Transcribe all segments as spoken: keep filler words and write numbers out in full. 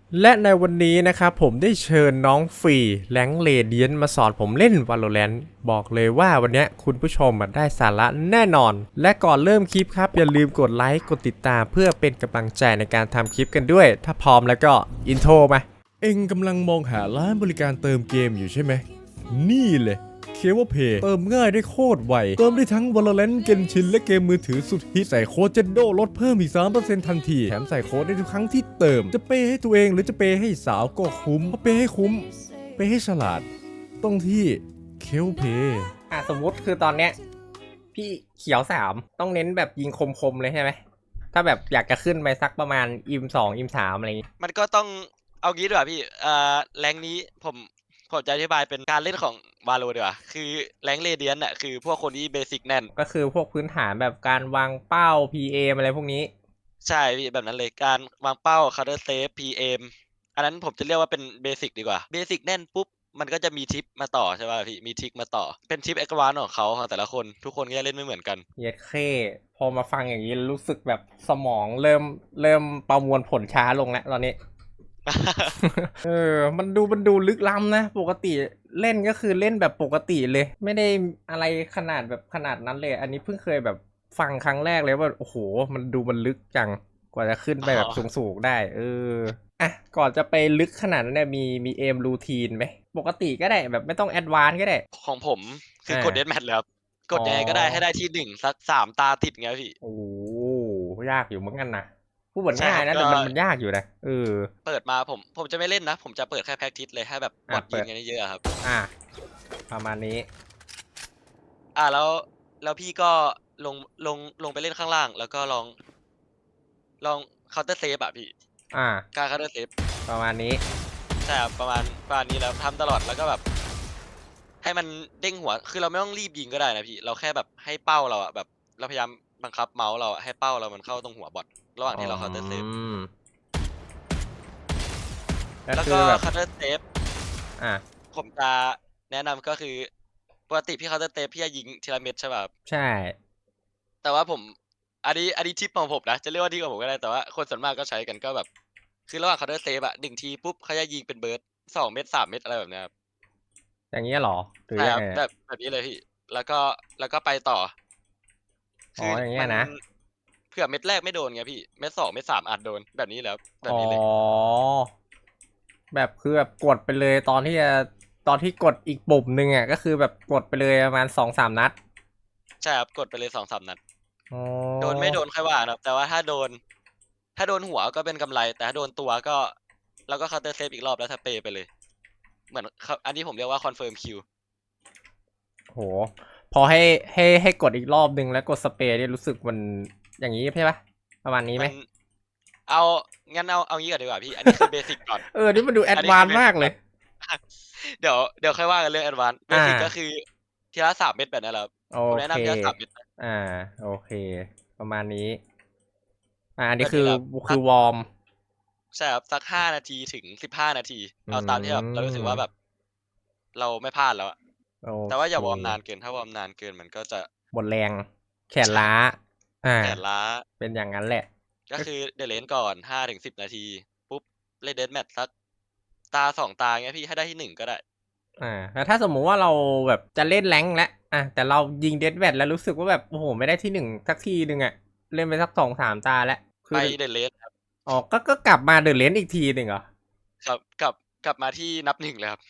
และในวันนี้นะครับผมได้เชิญน้องฟรีแรงค์เรเดียนมาสอนผมเล่น Valorant บอกเลยว่าวันนี้คุณผู้ชมได้สาระแน่นอนและก่อนเริ่มคลิปครับอย่าลืมกดไลค์กดติดตามเพื่อเป็นกำลังใจในการทำคลิปกันด้วยถ้าพร้อมแล้วก็อินโทรมาเอ็งกำลังมองหาร้านบริการเติมเกมอยู่ใช่ไหมนี่เลยเคเบิลเพย์เติมง่ายได้โคตรไวเติมได้ทั้ง Valorant Genshin และเกมมือถือสุดฮิตใส่โค้ดเจนโดลดเพิ่มอีก สามเปอร์เซ็นต์ ทันทีแถมใส่โค้ดได้ทุกครั้งที่เติมจะเปย์ให้ตัวเองหรือจะเปย์ให้สาวก็คุ้มเพราะเปย์ให้คุ้มเปย์ให้ฉลาดต้องที่เคเบิลเพย์อ่ะสมมุติคือตอนเนี้ยพี่เขียวสามต้องเน้นแบบยิงคมๆเลยใช่ไหมถ้าแบบอยากจะขึ้นไปสักประมาณอิมสองอิมสามอะไรอย่างงี้มันก็ต้องเอางี้ดีกว่าพี่เอ่อแรงนี้ผมผมจะอธิบายเป็นการเล่นของวาโลดีกว่าคือแรงเรเดียนน่ะคือพวกคนที่เบสิกแน่นก็คือพวกพื้นฐานแบบการวางเป้า พี เอ อะไรพวกนี้ใช่พี่แบบนั้นเลยการวางเป้า Counter Safe พี เอ็ม อันนั้นผมจะเรียกว่าเป็นเบสิกดีกว่าเบสิกแน่นปุ๊บมันก็จะมีทิปมาต่อใช่ป่ะพี่มีทริกมาต่อเป็นทิป Advance ของเขาของแต่ละคนทุกคนก็จะเล่นไม่เหมือนกันเย็ดเข้พอมาฟังอย่างนี้รู้สึกแบบสมองเริ่มเริ่มประมวลผลช้าลงแล้วตอนนี้ เออมันดูมันดูลึกล้ำนะปกติเล่นก็คือเล่นแบบปกติเลย ไม่ได้อะไรขนาดแบบขนาดนั้นเลย อันนี้เพิ่งเคยแบบฟังครั้งแรกเลยว่าโอ้โหมันดูมันลึกจังกว่าจะขึ้นไปแบบสูงๆได้ เอออ่ะก่อนจะไปลึกขนาดนั้นเนี่ยมีมีเอมรูทีนไหมปกติก็ได้แบบไม่ต้องแอดวานซ์ก็ได้ของผมคืออ่ากดเดธแมทเลยครับกอ๋อดยังไงก็ได้ให้ได้ที่หนึ่งสักสามตาติดเงี้ยพี่โอ้โหยากอยู่เหมือนกันนะพูดเหมือนใช่ครับก็ง่ายนะแต่มันมันยากอยู่นะเออเปิดมาผมผมจะไม่เล่นนะผมจะเปิดแค่ practice เลยให้แบบบอทยิอ่ะเปิดงกันเยอะๆอะครับอ่ะประมาณนี้อาแล้วแล้วพี่ก็ลงลงลงไปเล่นข้างล่างแล้วก็ลองลอง counter save อะพี่อ่ะการ counter save ประมาณนี้ใช่ครับประมาณประมาณนี้แล้วทำตลอดแล้วก็แบบให้มันเด้งหัวคือเราไม่ต้องรีบยิงก็ได้นะพี่เราแค่แบบให้เป้าเราอะแบบเราพยายามบังคับเมาส์เราอะให้เป้าเรามันเข้าตรงหัวบอตระหว่างอ๋ที่เรา counter save อก็แล้วก็คือแบบ counter save อ่ะผมจะแนะนำก็คือปกติพี่ counter save พี่จะยิงทีละเม็ดใช่เปล่าครับใช่แต่ว่าผมอันนี้อันนี้ทิปของผมนะจะเรียกว่าทิปของผมก็ได้แต่ว่าคนส่วนมากก็ใช้กันก็แบบคือระหว่าง Counter Strike อะหนึ่งทีปุ๊บเขาจะยิงเป็นเบิร์สสองเม็ดสามเม็ดอะไรแบบเนี้ยครับอย่างเงี้ยเหรอหรือใช่ยังไงอะครับแบบแบบนี้เลยพี่แล้วก็แล้วก็ไปต่ออ๋อคือมันอย่างเงี้ยนะเผื่อเม็ดแรกไม่โดนไงพี่เม็ดสองเม็ดสามอาจโดนแบบนี้แหละครับแบอ๋อบนี้เลยแบบคือแบบกดไปเลยตอนที่จะตอนที่กดอีกปุ่มหนึ่งอ่ะก็คือแบบกดไปเลยประมาณสองสามนัดใช่ครับกดไปเลยสองถึงสามนัดอ๋อโดนไม่โดนค่อยว่ากันครับแต่ว่าถ้าโดนถ้าโดนหัวก็เป็นกำไรแต่ถ้าโดนตัวก็เราก็ Counter Strike อีกรอบแล้วสเปรย์ไปเลยเหมือนเขาอันนี้ผมเรียกว่า confirm kill โหพอให้ให้ให้กดอีกรอบหนึ่งแล้วกดสเปรย์เนี่ยรู้สึกมันอย่างนี้ใช่ปะประมาณนี้ไหมมัน เอางั้นเอาเอางี้ก่อนดีกว่าพี่อันนี้คือเบสิกก่อนเออนี่มันดูแออัดวานนนี้คือเบซ์มากเลยสิกก่อนเดี๋ยวเดี๋ยวค่อยว่ากันเรื่องแอดวานซ์เบอ่าสิกก็คือทีละสามเม็ดแบบนั้นแหละครับโอเคผมแนะนำทีละสามเม็ดนะอ่าโอเคประมาณนี้อ่าอันนี้แบบคือนี้แหละครับสักคือวอร์มใช่ครับสักห้านาทีถึงสิบห้านาทีอืเอาตามที่แบบเรารู้สึกว่าแบบมเราไม่พลาดแล้วอะโอแต่ว่าเคอย่าวอร์มนานเกินถ้าวอร์มนานเกินมันก็จะหมดแรงแขนใช่ล้าอ่าแขนล้าเป็นอย่างนั้นแหละก็ก็คือ The Range ก่อนห้าถึงสิบนาทีปุ๊บเล่น Deathmatch สักตาสองตาเงี้ยพี่ให้ได้ที่หนึ่งก็ได้อ่าแล้วถ้าสมมุติว่าเราแบบจะเล่นแรงค์แล้วอ่ะแต่เรายิงเดดแวทแล้วรู้สึกว่าแบบโอ้โหไม่ได้ที่หนึ่งสักทีหนึ่งอ่ะเล่นไปสักสองสามตาแล้วคืไปอ The Range ครับอ๋อก็ก็กลับมาเดอะเลนอีกทีหนึ่งเหรอครับกลับกลับมาที่นับหนึ่งเลยครับ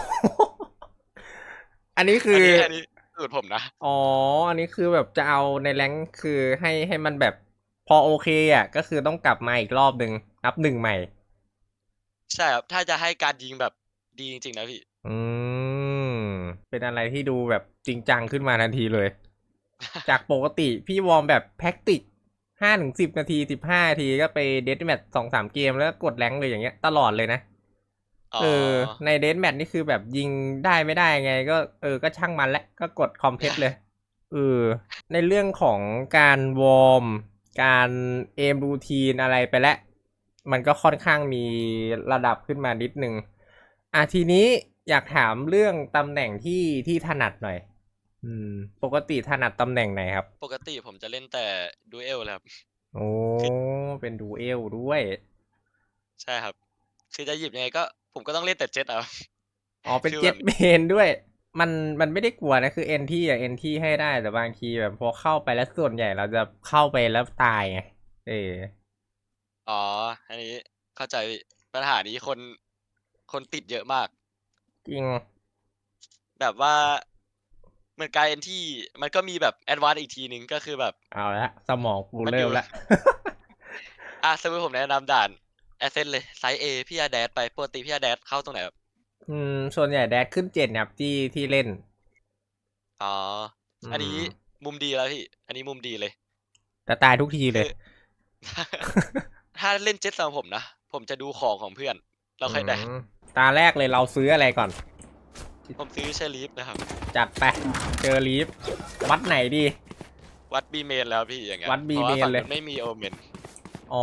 อันนี้คืออันนี้อันนี้สูตรผมนะอ๋ออันนี้คือแบบจะเอาในแรงค์คือให้ให้มันแบบพอโอเคอ่ะก็คือต้องกลับมาอีกรอบหนึ่งนับหนึ่งใหม่ใช่ครับถ้าจะให้การยิงแบบดีจริงๆนะพี่อืมเป็นอะไรที่ดูแบบจริงจังขึ้นมาทันทีเลยจากปกติพี่วอร์มแบบแพ็กติกห้าถึงสิบนาทีสิบห้านาทีก็ไปเดธแมทสองสามเกมแล้วก็กดแรงค์เลยอย่างเงี้ยตลอดเลยนะอ๋อเออในเดธแมทนี่คือแบบยิงได้ไม่ได้ไงก็เออก็ช่างมันแหละก็กดคอมเพลตเลย เออในเรื่องของการวอร์มการเอมรูทีนอะไรไปแล้วมันก็ค่อนข้างมีระดับขึ้นมานิดนึงอ่ะทีนี้อยากถามเรื่องตำแหน่งที่ที่ถนัดหน่อยอืมปกติถนัดตำแหน่งไหนครับปกติผมจะเล่นแต่ Duel เลยครับโอ้คือเป็นดูเอลด้วยใช่ครับคือจะหยิบยังไงก็ผมก็ต้องเล่นแต่เจ็ตเอาอ๋อเป็นคือเจ็แบตบเมนด้วย มันมันไม่ได้กลัวนะคือเอ็นที่อะเอ็นที่ให้ได้แต่บางทีแบบพอเข้าไปแล้วส่วนใหญ่เราจะเข้าไปแล้วตายไงเอออ๋อ อันนี้เข้าใจพี่ปัญหานี้คนคนติดเยอะมากจริงแบบว่าเหมือนกลายเป็นที่มันก็มีแบบแอดวานซ์อีกทีหนึ่งก็คือแบบเอาละสมองกูมันอเริ่ยู่มละอ่ะสมมติผมแนะนำด่านแอสเซนเลยไซส์ A พี่อาแดดไปปกติพี่อาแดดเข้าตรงไหนครับอืมส่วนใหญ่แดดขึ้นเจ็ดครับที่ที่เล่นอ๋ออือันนี้มมุมดีแล้วพี่ อันนี้มุมดีเลยแต่ตายทุกทีเลคืยอ ถ้าเล่นเจ็ตสำหรับผมนะ ผมจะดูของของเพื่อน เราค่อยแดดอืมตาแรกเลยเราซื้ออะไรก่อนผมซื้อเชลีฟนะครับจัดไปเจอลีฟวัดไหนดีวัดบีเมนแล้วพี่อย่างเงี้ยวัด B เพราะว่า main ฝั่งเลยนู้นไม่มีโอเมนอ๋อ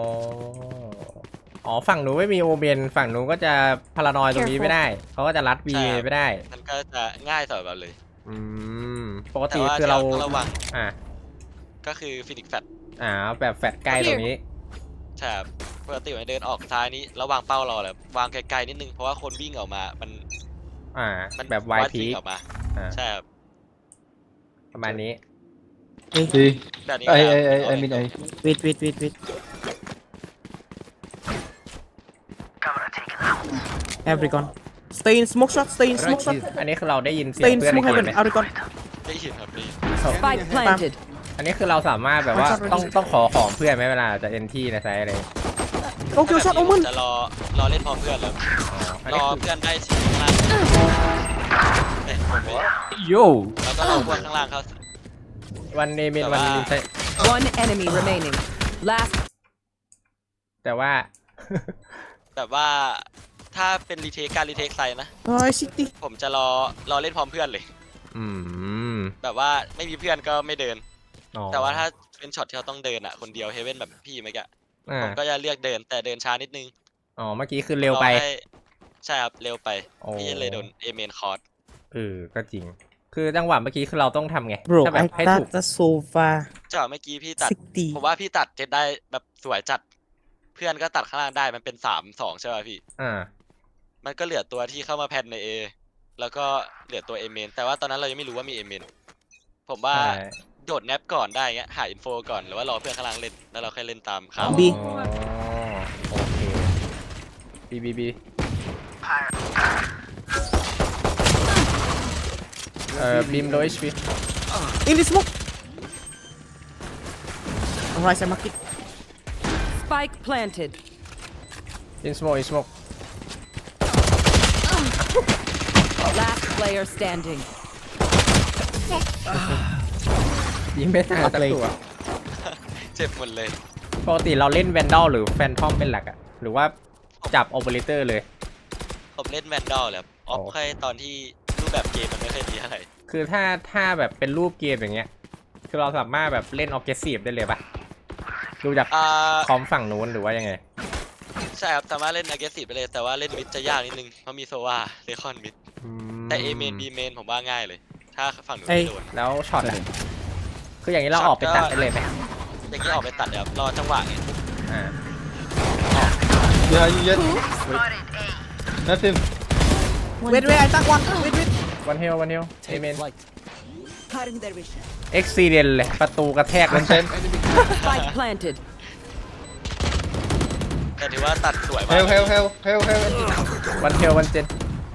อ๋อฝั่งหนูไม่มีโอเมนฝั่งหนูก็จะพารานอยตรงนี้ไม่ได้เขาก็จะรัดบีใช่ครับไม่ได้มันก็จะง่ายสำหรับเราเลยอืมปกแต่ติว่าคือที่เราเราต้องระวังอ่าก็คือฟินิกแฟตอ่าแบบแฟดใกล้ตรงนี้ใช่ครับปกติมันเดินออกซ้ายนี้ระวางเป้าเราแหละวางไกลๆนิดนึงเพราะว่าคนวิ่งออกมา มันอ่ามันแบบไววัดพีวิ่งออกมาอ่าใช่ครับประมาณนี้ See, แบบนี้ I, ก็ I, ได้ I, I mean, I. Wait, wait, wait, wait. Have recon. Stay in smoke shot. Stay in smoke shot. อันนี้คือเราได้ยินเสีย Stay ง in เพื่อนใน smoke เกม heaven. ไหม Out recon. ได้ยินครับพี่ Spike planted. อันนี้คือเราสามารถแบบว่าต้องต้องขอของเพื่อนไหมเวลาจะเอ็นที่ในไซต์อะไร Go kill ถ้า shot. แบบนี้ผม Omen. จะรอรอเล่นพร้อมเพื่อนแล้วอันรนี้อคือเพื่อนได้ทีข้างล่างเอ้ยผมไปโยแล้วก็รอพวกข้างล่างเขาวันเนมินแต่วันว่านินไซ One enemy remaining. Last แต่ว่าแบบว่าถ้าเป็นรีเทคการรีเทคไซนะ Oh, I see. ผมจะรอรอเล่นพร้อมเพื่อนเลยอืมแบบว่าไม่มีเพื่อนก็ไม่เดินอ๋อแต่ว่าถ้าเป็นช็อตที่เราต้องเดินอ่ะคนเดียวเฮเว่นแบบพี่เมื่อกี้อ่าผมก็จะเลือกเดินแต่เดินช้านิดนึงอ๋อเมื่อกี้คือเร็วไปอให้ใช่ครับเร็วไปโอ้พี่เลยโดนเอเมนคอร์สเออก็จริง คือจังหวะเมื่อกี้คือเราต้องทำไง Bro, ถ้าแบบ I ให้ถูก got the sofa. จากเมื่อกี้พี่ตัด sixty. ผมว่าพี่ตัดเจ็ดได้แบบสวยจัด เพื่อนก็ตัดข้างล่างได้มันเป็นสามสองใช่ป่ะพี่อ่ามันก็เหลือตัวที่เข้ามาแพนใน A แล้วก็เหลือตัวเอเมนแต่ว่าตอนนั้นเรายังไม่รู้ว่ามีเอเมนผมว่าใช่โดดแนปก่อนได้เงี้ยหาอินโฟก่อนหรือว่ารอเพื่อนข้างล่างเล่นแล้วเราค่อยเล่นตามเขา B อ๋อโอเคบีบีบีเอ่อบีมโดย เอช พี In the smoke. Alright, I'm marking. spike planted. in smoke in smoke Last player standing. ยิงไม่ตายสักตัวเจ็บหมดเลยปกติเราเล่นแวนดอลหรือแฟนทอมเป็นหลักอะหรือว่าจับโอเปอเรเตอร์เลยผมเล่นแวนดอลแหละออฟโอ้แค่ตอนที่รูปแบบเกมมันไม่ค่อยดีเท่าไหร่คือถ้าถ้าแบบเป็นรูปเกมอย่างเงี้ย คือเราสามารถแบบเล่นออ g เก s ซีฟได้เลยปะดูจากอ่าคอมฝั่งนู้นหรือว่ายังไงใช่ครับสามารถเล่น aggressive ไปเลยแต่ว่าเล่นมิดจะยากนิดนึงเพราะมีโซวาเลคอนมิดอืมแต่ A เมน B เมนผมว่าง่ายเลย ถ้าฝั่งหนูเอ้ยไม่โดนแล้วช็อตอะคืออย่างนี้เราออกไปตัดได้เลยไหมอย่างนี้ออกไปตัดเดี๋ยวรอจังหวะไงอ่า Yeah, you get. Nothing. Wait, wait, I got one. Wait, wait. วันเฮลวันเฮลเอเมน Cutting their vision. เอ็กซีเดนเลย ประตูกระแทกมัน One ten. Spike planted. แต่ถือว่าตัดสวยมาก Hell, hell, hell, hell, hell. วันเฮลวันเจน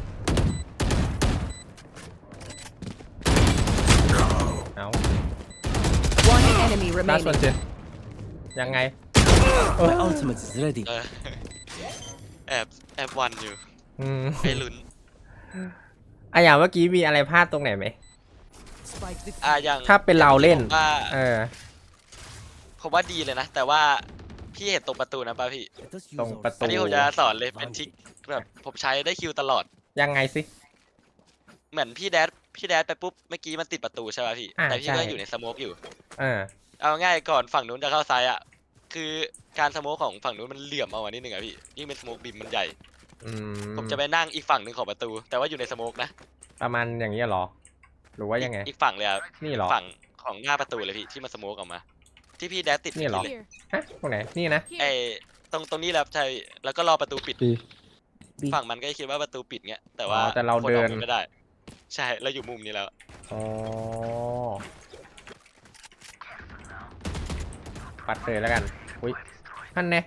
เอา One enemy ล่าสุด remaining. เจนยังไง My ultimate is ready. เออแอบแอบวันอยู่อืมให้ลุ้นอ่ะอย่างเมื่อกี้มีอะไรพลาดตรงไหนไหม Spike defused. อ่าอย่างถ้าเป็นเราเล่นผมว่าเออผมว่าดีเลยนะ แต่ว่าพี่เห็นตรงประตูนะป่ะพี่ Let us use ตรง our ประตูอันนี้ผมจะสอนเลยเป็นทริกแบบผมใช้ได้คิวตลอดยังไงสิเหมือนพี่แดดพี่แดดไปปุ๊บเมื่อกี้มันติดประตูใช่ป่ะพี่อ่าแต่พี่ใช่ก็อยู่ในสโมกอยู่เออเอาง่ายก่อนฝั่งนู้นจะเข้าซ้ายอ่ะ คือการสโมกของฝั่งนู้นมันเหลื่อมเอามานิดนึงอ่ะพี่ยิ่งเป็นสโมกบิมมันใหญ่อืมผมจะไปนั่งอีกฝั่งหนึ่งของประตู แต่ว่าอยู่ในสโมกนะประมาณอย่างนี้ยเหรอ หรือว่ายังไงอีกฝั่งเลยอ่ะนี่เหรอฝั่งของหน้าประตูเลยพี่ที่มันสโมกออกมา ที่พี่แดดติดนี่เหรอเลยฮะตรงไหน นี่นะไอตรงตรงนี้แหละครับใช่แล้วก็รอประตูปิด B ฝั่งมันก็คิดว่าประตูปิดเงี้ยแต่อ๋ว่าอแต่เราคนเดิออกนมุมไม่ได้ ใช่เราอยู่มุมนี้แล้วอ๋อปัดเลยแล้วกัน อุ้ยนั่นไง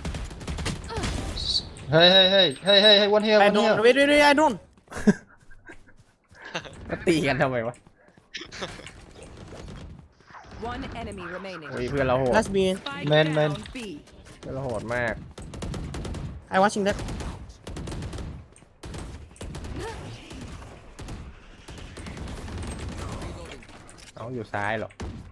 Hey hey hey hey hey hey one here I one don't here wait wait wait I don't มาตีกันทำไมวะ One enemy remaining. อุ้ยเพื่อนเราโหด Last B Spike Man, down man. B. เพื่อนเราโหดมาก I watching that เอาอยู่ซ้ายเหรอ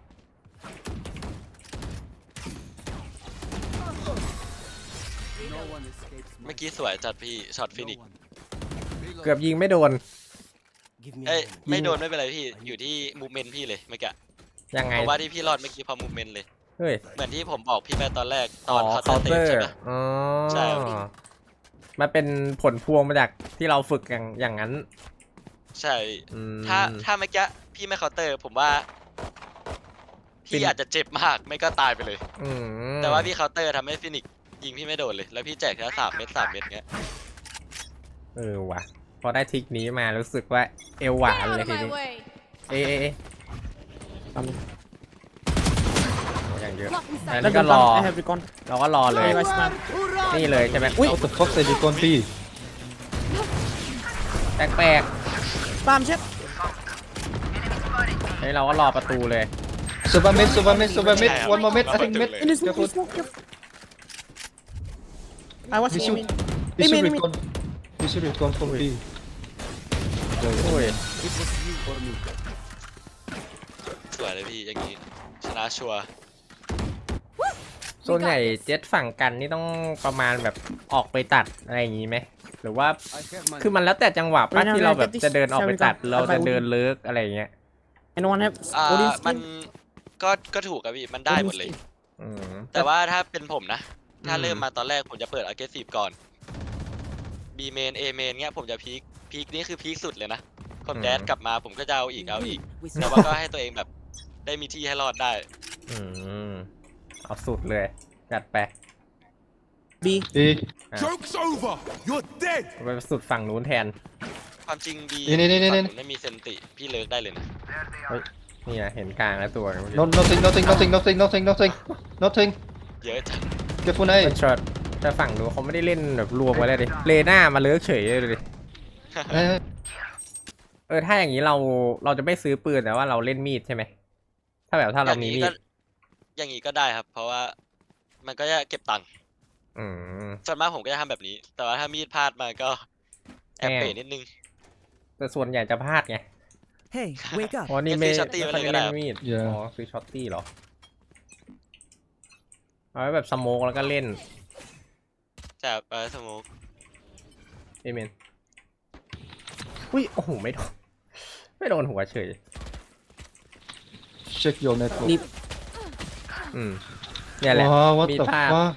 เมื่อกี้สวยจัดพี่ช็อตฟินิกเกือบยิงไม่โดนเอ้ยไม่โดนไม่เป็นไรพี่อยู่ที่มูเมนต์พี่เลยเมื่อกี้ยังไงเพราะว่าที่พี่รอดเมื่อกี้เพอมูเมนต์เลยเฮ้ยเหมือนที่ผมบอกพี่ไปตอนแรกตอ๋ออนเขาเคาน์เตเตอะร์ใช่ไหมอ๋อใช่มันเป็นผลพวงมาจากที่เราฝึกอย่างอย่างนั้นใช่อืมถ้าถ้าเมื่อกี้พี่ไม่เคาน์เตอร์ผมว่าฟิพี่นอาจจะเจ็บมากไม่ก็ตายไปเลยอืมแต่ว่าพี่เคาน์เตอร์ทำให้ฟินิกซ์ยิงพี่ไม่โดนเลย แล้วพี่แจกแค่สามเม็ดสามเม็ดเงี้ยเออว่ะ พอได้ทริกนี้มารู้สึกว่าเอวหวานเลยทีนี้ เอะเอะเอะ um, โอ้อย่างเยอะแล้ว Let นี่ me ก็รอ come I have recon เราก็รอเลย Hey guys man นี่เลยใช่ไหมอุ้ย What the fuck say recon B แปลก spam shit ๆเฮ้ยเราก็รอประตูเลย Serve mid serve mid serve mid one more mid I think mid in this smoke Careful. in smoke careful I We watching should him we Hey, should man, man. recon we should recon from B อุ้ยสวยเลยพี่อย่างนี้ชนะชัวร์ส่วนใหญ่เจ็ตฝั่งกันนี่ต้องประมาณแบบออกไปตัดอะไรอย่างงี้ไหมหรือว่าคือมันแล้วแต่จังหวะป้าไม่ที่เราแบบไม่จะเดินออกไปตัดไม่เราจะเดินเลิกอะไรอย่างเงี้ย anyone have อ่า Odin มัน skin ก็ก็ถูกครับพี่มันได้หมดเลยอืมแต่ว่าถ้าเป็นผมนะ ถ้าอืมเริ่มมาตอนแรกผมจะเปิด aggressive ก่อน B main A main เงี้ยผมจะพีคพีคนี่คือพีคสุดเลยนะผมแดดกลับมาผมก็จะเอาอีกเอาอีก With แต่ว่าก็ให้ตัวเองแบบได้มีที่ให้รอดได้อืมเอาสุดเลยจัดไป B B Joke's over! You're dead! ไปสุดฝั่งนู้นแทนความจริง B นี่นี่นี่นี่ฝั่งนู้นไม่มีเซนติพี่เลิกได้เลยนะนี่นะเห็นกลางแล้วตัว no nothing nothing nothing nothing nothing nothing nothing เยอะจัง Careful เฮ้ย A ช็อตแต่ฝั่งนู้นเขาไม่ได้เล่นแบบรวมไว้เลยดิเลน่ามาเลิกเฉยเลยดิ Hey, hey. เออถ้าอย่างนี้เราเราจะไม่ซื้อปืนแต่ว่าเราเล่นมีดใช่ไหมถ้าแบบถ้าอเราย่างมีนี้มีก็ดอย่างนี้ก็ได้ครับ เพราะว่ามันก็จะเก็บตังค์อืมส่วนมากผมก็จะทำแบบนี้ แต่ว่าถ้ามีดพลาดมาก็แอบแอบเป๋นิดนึงแต่ส่วนใหญ่จะพลาดไง Hey, wake up. อ๋อนี่ไม่ซื้อช็อตตี้ไม่มาค่อยเลยก็ได้ได้เล่นมีด Yeah อ๋อซื้อช็อตตี้เหรอเอาไว้แบบสโมกแล้วก็เล่นแต่เออสมมติเอเมนอุ้ยโอ้โหไม่โดนไม่โดนหัวเฉย Check your network นี่อืมเนี่ยแหละ Wow what มี the ภาพ fuck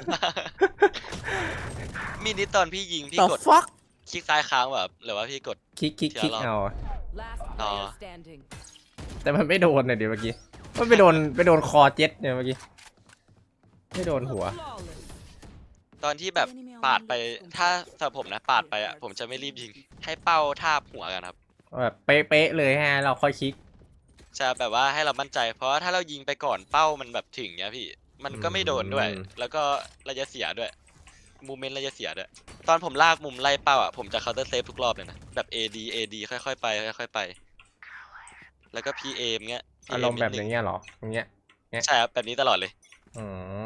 มีดนี้ตอนพี่ยิงพี่ the กด fuck คลิกซ้ายค้างแบบหรือว่าพี่กดคลิกคลิกคลิกเดี๋ยวเราเอา Last Aw. player standing. แต่มันไม่โดนเนี่ยเดี๋ยวเมื่อกี้มันไปโดนไปโดนคอเจ็ตเนี่ยเมื่อกี้ไม่โดนหัว Flawless. ตอนที่แบบปาดไปถ้าสำหรับผมนะปาดไปอ่ะผมจะไม่รีบยิงให้เป้าทาบหัวกันครับแบบเป๊ะๆเลยฮะเราค่อยคลิกจะแบบว่าให้เรามั่นใจ เพราะว่าถ้าเรายิงไปก่อนเป้ามันแบบถึงเนี้ยพี่ มันก็ไม่โดนด้วยอืมแล้วก็ระยะเสียด้วยมูเมนต์ระยะเสียด้วย ตอนผมลากมุมไล่เป้าอ่ะผมจะ counter save ทุกรอบเลยนะแบบ เอ ดี เอ ดี ค่อยๆไปค่อยๆไป แล้วก็ พี เอ มเงี้ยอารมณ์แบบอย่างเงี้ยเหรออย่างเงี้ยใช่ครับแบบนี้ตลอดเลยอ๋อ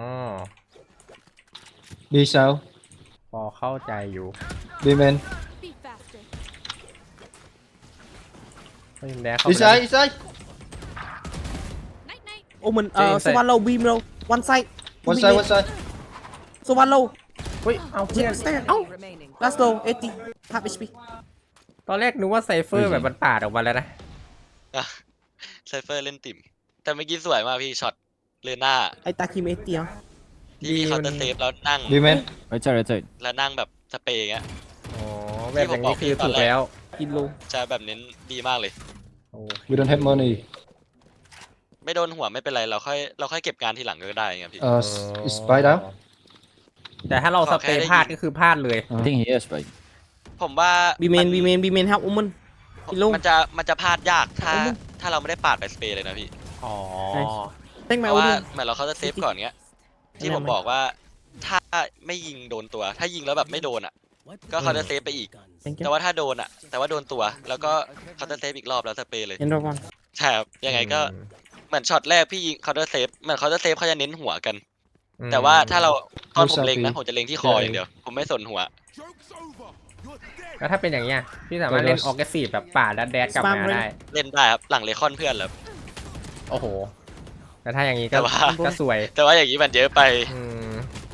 B south พอเข้าใจอยู่ B main Be faster. เฮ้ยแดกเข้า This ไป side this side Night night. Omen Jay uh inside. so one low beam low one side one Beam side mid. one side so one low เฮ้ยเอาเพื่อน Stay Enemy out remaining. last low eighty half H P ตอนแรกนึกว่าไซเฟอร์แบบมันปาดออกมาแล้วนะไซเฟอร์เล่นติ่ม แต่เมื่อกี้สวยมากพี่ช็อตเลน่า I attack him eighty อ่ะที่พี่ดีเคามันน์เตอร์เซฟแล้วนั่ง B main Right side, right side. แล้วนั่งแบบสเปรย์อย่างเงี้ยอ๋อแบบอย่างนี้คือถูกแล้วกิน low จะแบบเน้นดีมากเลยโอ we don't have money ไม่โดนหัวไม่เป็นไรเราค่อยเราค่อยเก็บงานทีหลังก็ได้ไงพี่ uh is spy down แต่ถ้าเราขสอเปแค่รย์ได้พลาดยิงก็คือพลาดเลย I think he is, but ผมว่า B main มัน B main B main help woman พี่ลุงมันจะมันจะพลาดยากถ้าเอามึงถ้าเราไม่ได้ปาดไปสเปรย์เลยนะพี่อ๋อ Thank เพ my ราะว่า Odin เหมือนเราเขาจะเซฟก่อนเงี้ย ที่แนะนำผมไหมบอกว่าถ้าไม่ยิงโดนตัว ถ้ายิงแล้วแบบไม่โดนอ่ะ ก็เขาจะเซฟไปอีก Thank แต่ you ว่าถ้าโดนอ่ะ แต่ว่าโดนตัว แล้วก็เขาจะเซฟอีกรอบแล้วสเปรย์เลย End of one ใช่ครับยังไงก็เหมือนช็อตแรกพี่ยิงเขาจะเซฟเหมือนเขาจะเซฟเขาจะเน้นหัวกันอืมแต่ว่าถ้าเราตอนผม Who's เล็งนะ happy? ผมจะเล็งที่คออย่างเดียว ผมไม่สนหัว Joke's over. You're dead. แล้วถ้าเป็นอย่างเงี้ยพี่สามารถเล่นออ g เกซีฟแบบป่าดแดดกลับมา Spam เลยได้เล่นได้ครับหลังเลคอนเพื่อนแล้วโอ้โห แต่ถ้าอย่างงี้ก็แต่ว่าก็สวยแต่ว่าอย่างนี้มันเยอะไปอืม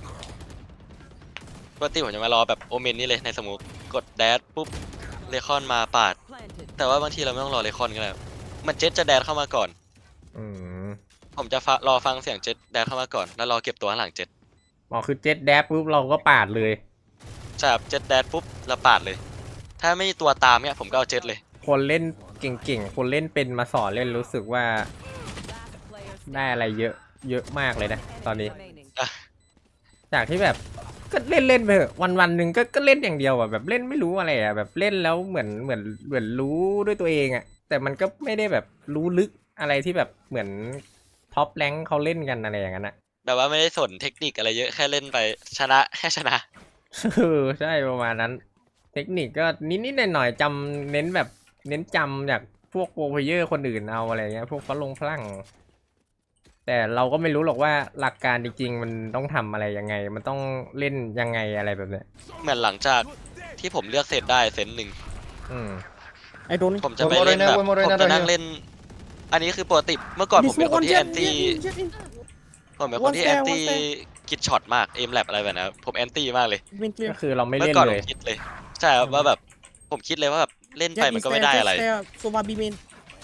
ปกติผมจะมารอแบบโอเมนนี่เลยในสมุกกดแดดปุ๊บเลคอนมาปาด Planted. แต่ว่าบางทีเราไม่ต้องรอเลคอนก็ได้ครับมันเจ็ตจะแดดเข้ามาก่อนอืมผมจะฟะรอฟังเสียงเจ็ตแดดเข้ามาก่อนแล้วรอเก็บตัวข้างหลังเจ็ตอ๋อคือเจ็ตแดดปุ๊บเราก็ปาดเลยใช่ครับเจ็ตแดดปุ๊บเราปาดเลย ถ้าไม่มีตัวตามเนี่ยผมก็เอาเจ็ตเลยคนเล่นเก่งๆ คนเล่นเป็นมาสอนเล่นรู้สึกว่า Last player ได้อะไรเยอะเยอะมากเลยนะ ตอนนี้ remaining. จากที่แบบก็เล่นเล่นไปเถอะวันวันๆหนึ่งก็ก็เล่นอย่างเดียวอ่ะแบบเล่นไม่รู้อะไรอ่ะแบบเล่นแล้วเหมือนเหมือนเหมือนรู้ด้วยตัวเองอ่ะแต่มันก็ไม่ได้แบบรู้ลึกอะไรที่แบบเหมือนท็อปแรงค์เขาเล่นกันอะไรอย่างนั้นอ่ะแบบว่าไม่ได้สนเทคนิคอะไรเยอะแค่เล่นไปชนะแค่ชนะเออใช่ประมาณนั้น เทคนิคก็นิดๆหน่อยๆจำเน้นแบบเน้นจำจากพวกโปรเพลเยอร์คนอื่นเอาอะไรเงี้ยพวกฝรั่งฝรั่งแต่เราก็ไม่รู้หรอกว่าหลักการจริงๆ มันต้องทำอะไรยังไง มันต้องเล่นยังไงอะไรแบบเนี้ยเหมือนหลังจากที่ผมเลือกเซตได้เซตหนึ่งอืม I don't ผมจะไปเล่นแบบ One more arena, one more ผม arena จะนั่ง right here. เล่น อันนี้คือปกติเมื่อก่อนผมเป็นคนที่แอนตี้ Jet in ผมเป็นคนที่ What's แอ there? นตี้ What's there? คิดช็อตมากเอมแลบอะไรแบบนั้นผมแอนตี้มากเลย Main ก็ clear คือเราไม่เมื่เล่อน ก่อนเลผยมคิดเลย ใช่ครับว่าแบบผมคิดเลยว่าแบบเล่นไป Jet มัน is ก็ไม่ there ได้ Jet อะไร is there Sova B main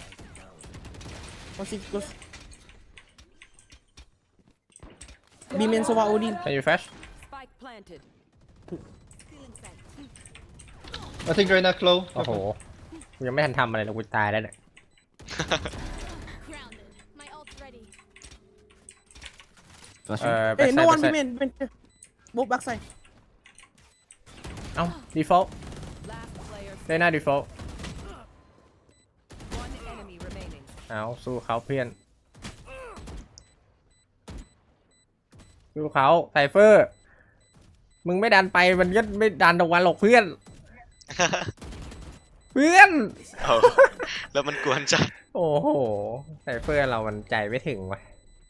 One six close B main Sova Odin Can you flash Spike planted. Stealing sight. I think right now, Chloe. โอ้โหกูยังไม่ทันทำอะไรเลยกูตายแล้วเนี่ย Grounded. My ult's ready. เอ่อ Hey no backside one B backside main main clear Both backside เอ้า default Last player. ได้หน้า default One enemy remaining. เอาสู้เขาเพื่อนสู้เขาไซเฟอร์ มึงไม่ดันไปมันก็ไม่ดันตรงวันหรอกเพื่อน เพื่อนเอาแล้วมันกวนจัดโอ้โหไซเฟอร์เรามันใจไม่ถึงว่ะ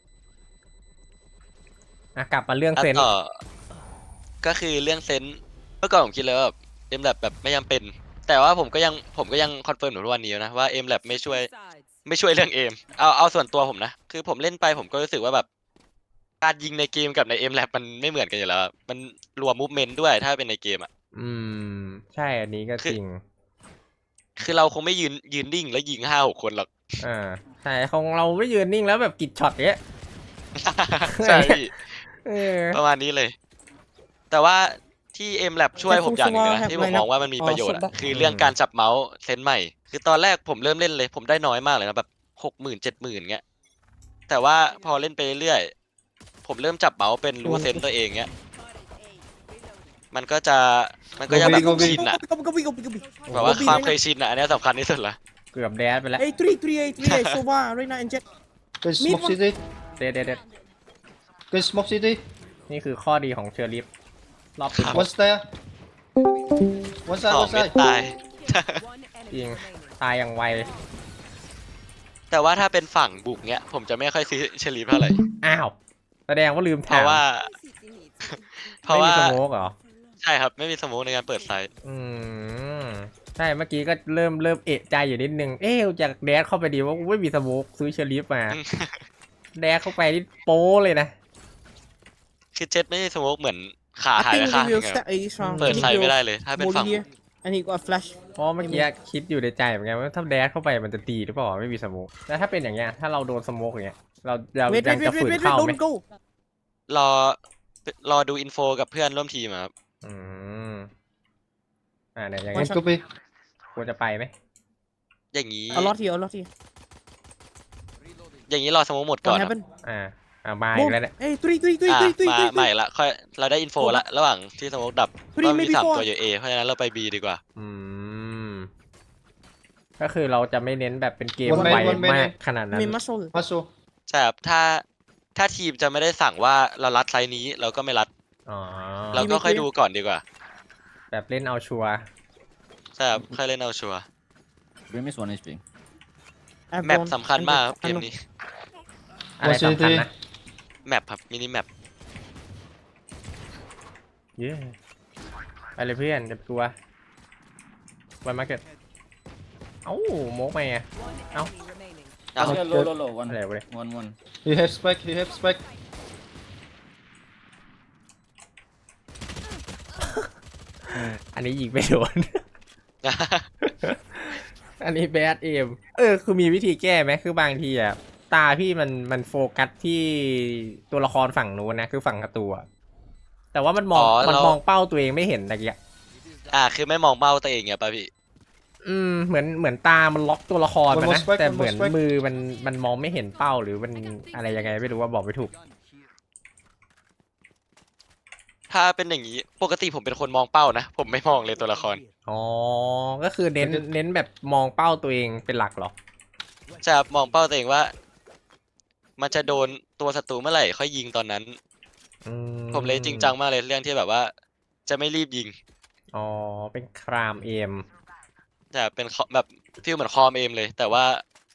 อ่ะกลับมาเรื่องอ่ะเซนส์ต่อก็คือเรื่องเซนส์เมื่อก่อนผมคิดเลยว่าแบบเอ็มแลบแบบไม่จำเป็น แต่ว่าผมก็ยังผมก็ยังคอนเฟิร์มอยู่ทุกวันนี้นะว่าเอ็มแลบไม่ช่วย Sides. ไม่ช่วยเรื่องเอมเอาเอาส่วนตัวผมนะ คือผมเล่นไปผมก็รู้สึกว่าแบบการยิงในเกมกับในเอ็มแลบมันไม่เหมือนกันอยู่แล้วอะมันรวมมูฟเมนต์ด้วยถ้าเป็นในเกมอ่ะอืม ใช่อันนี้ก็จริงคือเราคงไม่ยืนยืนนิ่งแล้วยิงห้าหกคนหรอกอ่าใช่ของเราไม่ยืนนิ่งแล้วแบบกิดช็อตเนี้ยใช่พี่เออประมาณนี้เลย แต่ว่าที่เอ็มแลบช่วยผมอย่างหนึงนะที่ผมมองว่ามันมีประโยชน์อะคือเรื่องการจับเมาส์เซนส์ใหม่ คือตอนแรกผมเริ่มเล่นเลย ผมได้น้อยมากเลยนะแบบหกหมื่นเจ็ดหมื่นเงี้ย แต่ว่าพอเล่นไปเรื่อยๆผมเริ่มจับเมาส์เป็นรู้เซนส์ตัวเองเงี้ย มันก็จะมันก็จะแบบ Go big, go big. ชินอะ Go go go go go แบบว่าความเคยชินอะอันเนี้ยสำคัญที่สุดละเกือบแดดไปแล้ว Hey three three eight three eight Sova Reina and Jet Guys, Mid smoke one. city. เด็ดเด็ดเด็ด Guys, smoke city. นี่คือข้อดีของเชอร์ลิฟรอบปิด One's there. One ส side, อง one เม็ด side. ตาย One จริ enemy ง remaining. ตายอย่างไวแต่ว่าถ้าเป็นฝั่งบุกเนี้ยผมจะไม่ค่อยซื้อเชลีฟเท่าไหร่อ้าว แสดงว่าลืมเพถามราะว่า เพราะไม่มีว่าสโมกเหรอใช่ครับไม่มีสโมกในการเปิดไซต์อืม ใช่เมื่อกี้ก็เริ่มเริ่มเอะใจอยู่นิดนึง เอ๊ะจากแดดเข้าไปดีว่ากูไม่มีสโมกซื้อเชอร์ลิฟมา แดดเข้าไปนี่โป้เลยนะคือเจ็ตไม่มีสโมกเหมือนขาหาย I ไป think ข้าง he หนึ will งอะ step He's wrong เปิด He ไซต์ไม่ได้ will เลย ถ้าเป็น Molly ฝั่งบุ here ก and he got a flash เพราะเมื่อกี้คิดอยู่ในใจเหมือนกันว่าถ้าแดดเข้าไปมันจะตีหรือเปล่าไม่มีสโมกแล้วถ้าเป็นอย่างเงี้ยถ้าเราโดนสโมกอย่างเงี้ยเราเรา Wait ยั wait ง wait จะ wait ฝืน wait เข้าไหม don't go รอรอดูอินโฟกับเพื่อนร่วมทีมอะครับอืมอ่าเนี่ยอย่าง One เงี้ย copy. ควรจะไปไหมอย่างนี้ A lot here a lot here อย่างนี้รอสโมกหมดก่อน What ครับ happened อ่าอ่ามาอี Boom. กแล้วเนี่ย Hey, three, three, three, อ่ะ three, three, มา three, ใหม่ three. ละค่อยเราได้อินโฟละระหว่างที่สโมกดับ Three, ว่ามี maybe สาม four. ตัวอยู่ A เพราะฉะนั้นเราไป B ดีกว่าอืมก็คือเราจะไม่เน้นแบบเป็นเกม One ไว man, one man มาก in. ขนาดนั้น I mean, muscle. Muscle. ใช่ครับถ้าถ้าทีมจะไม่ได้สั่งว่าเรารัดไซส์นี้เราก็ไม่รัดอ๋อเราก็ค่อยดูก่อนดีกว่าแบบเล่นเอาชัวร์ใช่ครับค่อยเล่นเอาชัวร์ Brim is one H P. แมปสำคัญมากครับเกมนี้อะไรสำคัญนะแมปครับมินิแมปเย้ไปเลยเพื่อนเดี๋ยวกลัววันมาร์เก็ตเอ้าโมกไปไง One Ow. enemy remaining. อ้าว Yeah, low, low, low. One, There, wait. one, one. He have spec, he have spec. อันนี้ยิงไม่โดน อันนี้แบดเอมเออคือมีวิธีแก้ไหมคือบางทีอ่ะตาพี่มันมันโฟกัสที่ตัวละครฝั่งนู้นนะคือฝั่งศัตรูอะแต่ว่ามันมองอ๋อมันเรามองเป้าตัวเองไม่เห็นตะเกียอ่าคือไม่มองเป้าตัวเองไงป่ะพี่อืมเหมือนเหมือนตามันล็อกตัวละครมัน One นะ more strike, แต่ one เหมือน more strike. มือมันมันมองไม่เห็นเป้าหรือมันอะไรยังไงไม่รู้ว่าบอกไม่ถูกถ้าเป็นอย่างนี้ปกติผมเป็นคนมองเป้านะ ผมไม่มองเลยตัวละครอ๋อก็คือเน้นเน้นแบบมองเป้าตัวเองเป็นหลักเหรอใช่ครับมองเป้าตัวเองว่า มันจะโดนตัวศัตรูเมื่อไหร่ค่อยยิงตอนนั้นอืผมเลยจริงจังมากเลยเรื่องที่แบบว่า จะไม่รีบยิงอ๋อเป็นครามเอมจะเป็นคอแบบฟีลเหมือนคอมเอมเลย แต่ว่า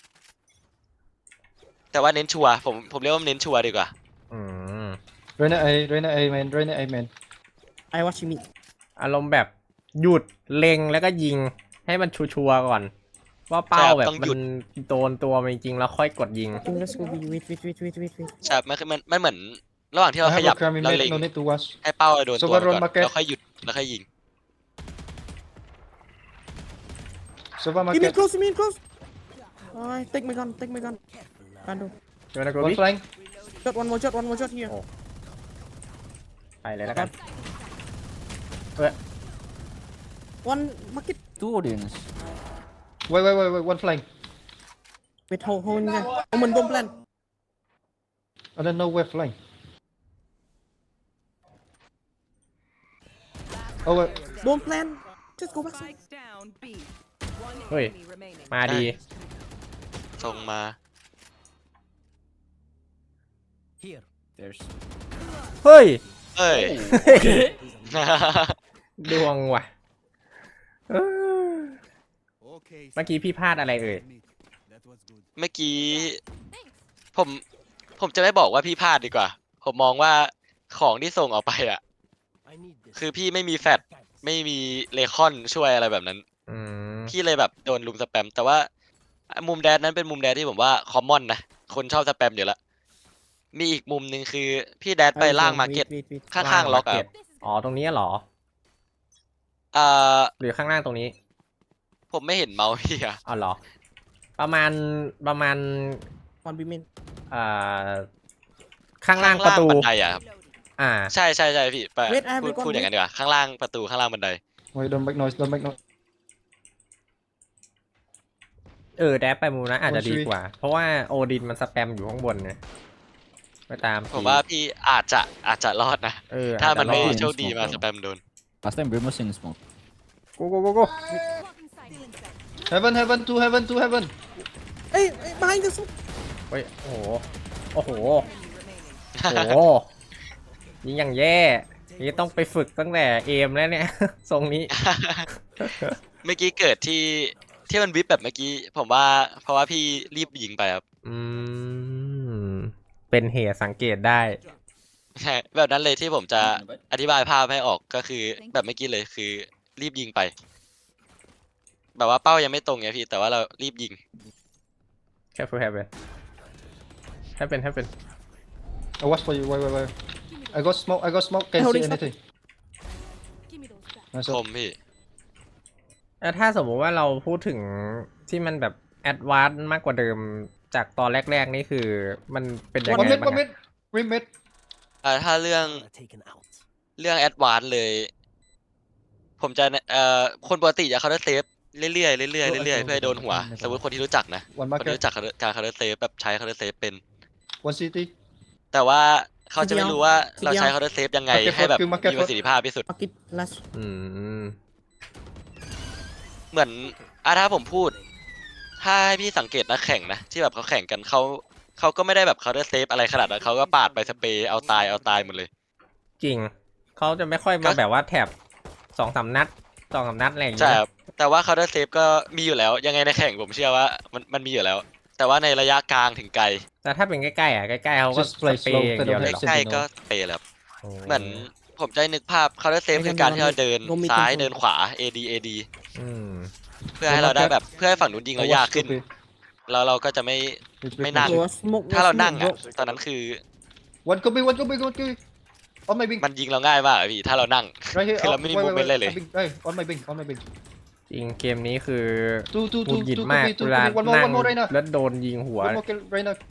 แต่ว่าเน้นชัวร์ผมผมเรียกว่าเน้นชัวร์ดีกว่าอืม Reyna A, Reyna A man, Reyna A man. I watch you meet. อารมณ์แบบหยุดเล็งแล้วก็ยิงให้มันชัวร์ๆก่อน ว่าเป้าใช่ครับแบบต้องหมัยุนดโดนตัวมันจริงๆแล้วค่อยกดยิง Okay, let's go B. Wait, wait, wait, wait, wait, wait. ใช่มันคือมันมันเหมือน ระหว่างที่เรา I ข have ยับ a crummy เรา mid, เล็ง no need to watch. ให้เป้าโดน So ตัว what มันก่อน run market? แล้วค่อยหยุดแล้วค่อยยิง Sova You mean market. close, you mean close. Alright, take my gun, take my gun. Random. เดี๋ยวนะกู One พี่ flank. Shot, one more shot, one more shot here. ไปเลยแล้วกัน One market. Two audience. Wait, wait, wait, wait. One flank. Wait, hold, hold in there. Omen, don't plan. I don't know where flank. Oh, wait. Don't plan. Just go back. Spike down B. One Oi. enemy remaining. มาดีส่งมา There's. เฮ้ยเอ้ยดวงว่ะเออ Okay. เมื่อกี้พี่พลาดอะไรเอ่ย That was good. เมื่อกี้ ผม ผมจะไม่บอกว่าพี่พลาดดีกว่า ผมมองว่าของที่ส่งออกไปอ่ะ คือพี่ไม่มีแฟตไม่มีเลคอนช่วยอะไรแบบนั้นอืมพี่เลยแบบโดนลุมสแปม แต่ว่ามุมแดนนั้นเป็นมุมแดนที่ผมว่าคอมมอนนะ คนชอบสแปมอยู่แล้ว มีอีกมุมหนึ่งคือ พี่แดนไปล่างมาเก็ต Wait, wait, wait. ข้างๆล็อกอะ market อ๋อตรงนี้เหรออ่าหรือข้างล่างตรงนี้ผมไม่เห็นเมาส์พี่อะอ๋อเหรอ ประมาณประมาณ One B main. เอ่อข้างล่างประตูบันไดอะครับอ่าใช่ใช่ใช่พี่ไป Wait, I have พูด recon พูดอย่างนั้นดีกว่า ข้างล่างประตูข้างล่างบันได Wait, don't make noise, don't make noise. เออแดบไปมุมนั้นอาจจะโอ้ชีดีวิตกว่า เพราะว่าโอดินมันสแปมอยู่ข้างบนเนี่ยไปตามผมว่าพี่อาจจะอาจจะรอดนะเออถ้ามันไม่อาจจะรอดโชคดีมาสแปมโดน Last time Brim was in smoke. กูกูกูกู Blocking sight. Inside. Heaven, heaven, two heaven, two heaven. Hey, hey, behind us. เฮ้ยโอ้โหโอ้โห Enemy remaining. โอ้โหยิงอย่างแย่นี่ต้องไปฝึกตั้งแต่เอมแล้วเนี่ย ทรงนี้เมื่อกี้เกิดที่ที่มันวิปแบบเมื่อกี้ ผมว่าเพราะว่าพี่รีบยิงไปครับอืมเป็นเหตุสังเกตได้ใช่แบบนั้นเลยที่ผมจะอธิบายภาพให้ออกก็คือแบบเมื่อกี้เลยคือรีบยิงไป แบบว่าเป้ายังไม่ตรงไงพี่ แต่ว่าเรารีบยิง careful happen happen happen I watch for you. Wait, wait, wait. I got smoke. I got smoke. Can't Holy see shit. anything. Give me those back. Nice ค one. มพี่แล้วถ้าสมมุติว่าเราพูดถึงที่มันแบบแอดวานซ์มากกว่าเดิมจากตอนแรกๆนี่คือมันเป็นยัง One ไง mid, บ้าง one อะ mid. Rim mid. อ่าถ้าเรื่องเรื่องแอดวานซ์เลย ผมจะเอ่อคนปกติจะเคาน์เตอร์เซฟเรื่อยๆเรื่อยๆเรื่อยๆเพื่อให้โดนหัว สมมติคนที่รู้จักนะ One คนที่ market. รู้จักการเคาน์เตอร์เซฟแบบใช้เคาน์เตอร์เซฟเป็น One city. แต่ว่าเขาจะไม่รู้ว่าทีเดียวเราใช้ counter safe ยังไง Market ให้แบบ for- market มีประสิทธิภาพที่สุด Market last. อืมเหมือนอ่ะถ้าผมพูด ถ้าให้พี่สังเกตนักแข่งนะ ที่แบบเขาแข่งกันเขาเขาก็ไม่ได้แบบ counter safe อะไรขนาดนั้นเขาก็ปาดไปสเปรย์เอาตายเอาตายหมดเลยจริง เขาจะไม่ค่อยก็มาแบบว่าแถบสองสามนัดสองสามนัดอะไรอย่างใช่เงี้ยครับแต่ว่า counter safe ก็มีอยู่แล้ว ยังไงในแข่งผมเชื่อว่ามันมันมีอยู่แล้ว แต่ว่าในระยะกลางถึงไกลแต่ถ้าเป็นใกล้ๆอ่ะใกล้ๆเขาก็ Just ส play เปรย์ slow อย่างเดียวเลยเหรอ Sentinel ใกล้ๆก็สเปรย์แล้วโอ้เหมือนผมจะนึกภาพ counter safe คือการที่เราเดิน Go mid ซ้าย control เดินขวา เอ ดี เอ ดีอืมเพื่อให้เราได้แบบเพื่อให้ฝั่งนู้นยิง I เรา was ยากขึ้น stupid. แล้วเราก็จะไม่ It's May big not. magic. Was smoke. ถ้า was เรา smoke, นั่ง bro. อ่ะตอนนั้นคือ One go big, one go big, one go big. On my wing. มันยิงเราง่ายมากอะพี่ถ้าเรานั่ง Right here. คือเรา Oh, ไม่มี wait, wait, movement wait. เลยเลย On my wing. Hey, on my wing, on my wing. จริงเกมนี้คือ Two, two, หงุด two, หงิด two, มาก two, two, เวลา two, one more, นั่ง one more right now. แล้วโดนยิงหัว One more kill right now.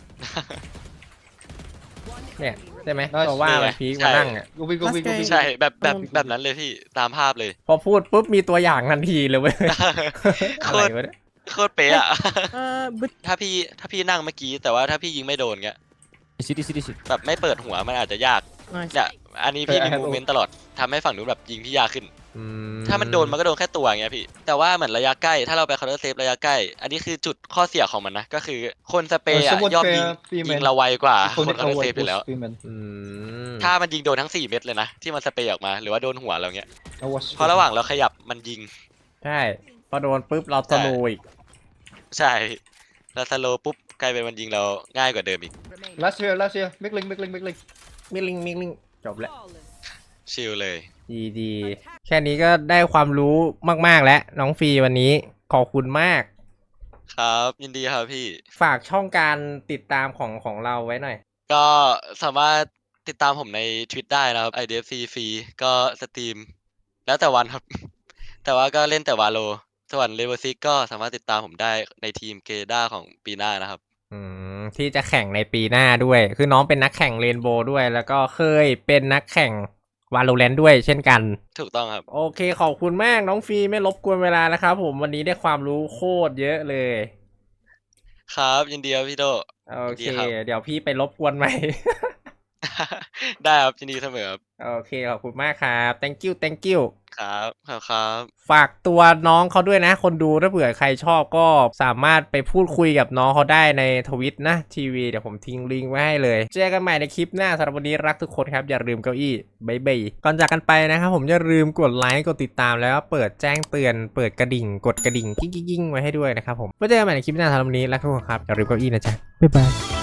เนี่ยใช่ไหม Nice ตัวว่านี่ไงมันพีคใช่มานั่งอ่ะ Go big, go big, go Last big. ใช่แบบแบบอืมแบบนั้นเลยพี่ตามภาพเลยพอพูดปุ๊บมีตัวอย่างทันทีเลยเว้ยโคอะไรตรวะเนี่ยโคตรเป๊ะอะ Uh, but ถ้าพี่ถ้าพี่นั่งเมื่อกี้แต่ว่าถ้าพี่ยิงไม่โดนเงี้ย City, city, city. แบบไม่เปิดหัวมันอาจจะยาก nice. เนี่ยอันนี้พี่เออมี I have มูเมนต์ตลอดทำให้ฝั่งนู้นแบบยิงพี่ยากขึ้นอืถ้ามันโดนมันก็โดนแค่ตัวอย่างเงี้ยพี่ แต่ว่าเหมือนระยะใกล้ถ้าเราไป counter safe ระยะใกล้ อันนี้คือจุดข้อเสียของมันนะ ก็คือคนสเปรย์อะ somewhat ย่อมยิง fair, female. ยิงเราไวกว่า Iconic คน counter award safe อยู่แล้ว was female. อืมถ้ามันยิงโดนทั้งสี่เม็ดเลยนะ ที่มันสเปรย์ออกมาหรือว่าโดนหัวเราเงี้ย I was เพราะระหว่างเราขยับมันยิงใช่พอโดนปุ๊บเราสโลว์อีกใช่แล้วสโลว์ปุ๊บกลายเป็นมันยิงเราง่ายกว่าเดิมอีก Remaining. Last here, last here. Mid link, mid link, mid link. มิลิงมิลิงจบแล้ว Flawless. ชิลเลยดีดีแค่นี้ก็ได้ความรู้มากๆแล้วน้องฟรีวันนี้ขอบคุณมากครับยินดีครับพี่ฝากช่องการติดตามของของเราไว้หน่อยก็สามารถติดตามผมในทวิตได้นะครับ ไอ ดี เอฟ ซี ฟรีก็สตรีม แล้วแต่วันครับ แต่ว่าก็เล่นแต่วาโล ส่วนเลเวอร์ซิกก็สามารถติดตามผมได้ในทีมเกด้าของปีหน้านะครับอืมที่จะแข่งในปีหน้าด้วย คือน้องเป็นนักแข่งเรนโบว์ด้วย แล้วก็เคยเป็นนักแข่งวาโลแรนต์ด้วยเช่นกันถูกต้องครับโอเคขอบคุณมากน้องฟรีไม่รบกวนเวลานะครับผมวันนี้ได้ความรู้โคตรเยอะเลยครับ ยินดีครับพี่โดโอเคยินดีครับเดี๋ยวพี่ไปรบกวนใหม่ได้ครับยินดีเสมอครับโอเค ขอบคุณมากครับ thank you thank you ครับครับครับฝากตัวน้องเขาด้วยนะ คนดูถ้าเผื่อใครชอบก็สามารถไปพูดคุยกับน้องเขาได้ในทวิตนะทีวีเดี๋ยวผมทิ้งลิงก์ไว้ให้เลย เจอกันใหม่ในคลิปหน้าสำหรับวันนี้รักทุกคนครับ อย่าลืมเก้าอี้บายบายก่อนจากกันไปนะครับผมอย่าลืมกดไลค์กดติดตามแล้วก็เปิดแจ้งเตือนเปิดกระดิ่ง กดกระดิ่งกิ้งๆๆไว้ให้ด้วยนะครับผมไว้เจอกันใหม่ในคลิปหน้าสำหรับวันนี้รักทุกคนครับอย่าลืมเก้าอี้นะจ๊ะบ๊ายบาย